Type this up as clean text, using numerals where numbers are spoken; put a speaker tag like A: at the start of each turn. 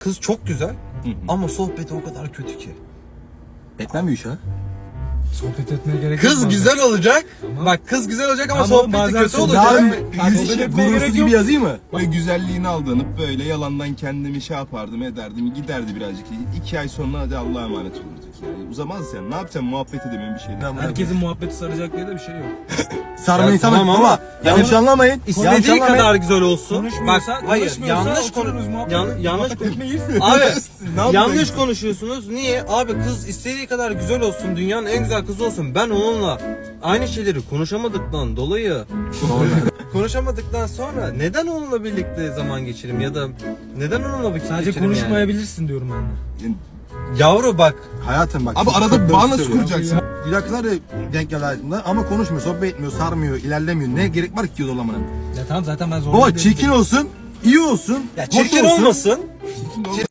A: kız çok güzel ama sohbeti o kadar kötü ki.
B: Etmem iş ha.
C: Sohbet etmeye gerek yok.
A: Kız
C: bazen.
A: güzel olacak.
C: Tamam.
A: Bak kız güzel olacak ama
C: Tamam,
A: sohbeti
C: bazen
A: kötü
C: sohbet-
A: olacak.
C: Sohbet etmeye gerek
B: Gurursuz
C: yok.
B: gibi yazayım mı?
D: Böyle güzelliğine aldanıp böyle yalandan kendimi şey yapardım ederdim giderdi birazcık. 2 ay sonra hadi Allah'a emanet olurduk yani. Uzamaz yani ne yapacaksın muhabbet edemiyorum bir şeyden.
C: Herkesin muhabbeti saracak diye de bir şey yok.
B: Sarma
A: Ya
B: insan
A: tamam
B: ama
A: ama
B: yanlış anlamayın. Yanlış
A: İstediği
B: anlamayın.
A: kadar güzel olsun. Bak
C: Konuşmuyorsa,
A: hayır
C: konuşmuyorsa
A: yanlış
C: otururuz, muhabbet-
A: yanlış
C: muhabbet etmeyiz.
A: Abi
D: Ne
A: yanlış
D: yapacaksın?
A: konuşuyorsunuz. Niye? Abi kız istediği kadar güzel olsun, dünyanın en güzel kızı olsun. Ben onunla aynı şeyleri konuşamadıktan dolayı konuşamadıktan sonra neden onunla birlikte zaman geçireyim ya da neden onunla vakit
C: Sadece
A: geçireyim yani?
C: konuşmayabilirsin diyorum ben de.
D: Yani,
A: Yavru bak
B: Hayatım bak.
D: abi
B: çok
D: arada
B: doğru
D: bağ nasıl
B: söylüyor.
D: kuracaksın?
B: Güzel kızlar da denk geldi hayatımda ama konuşmuyor, sohbet etmiyor, sarmıyor, ilerlemiyor. Ne gerek var ki zorlamanın?
C: Ya tamam zaten ben zorunda
B: Baba
C: değilim.
B: çirkin olsun, iyi olsun,
A: ya
B: hoş
A: çirkin
B: olsun.
A: olmasın.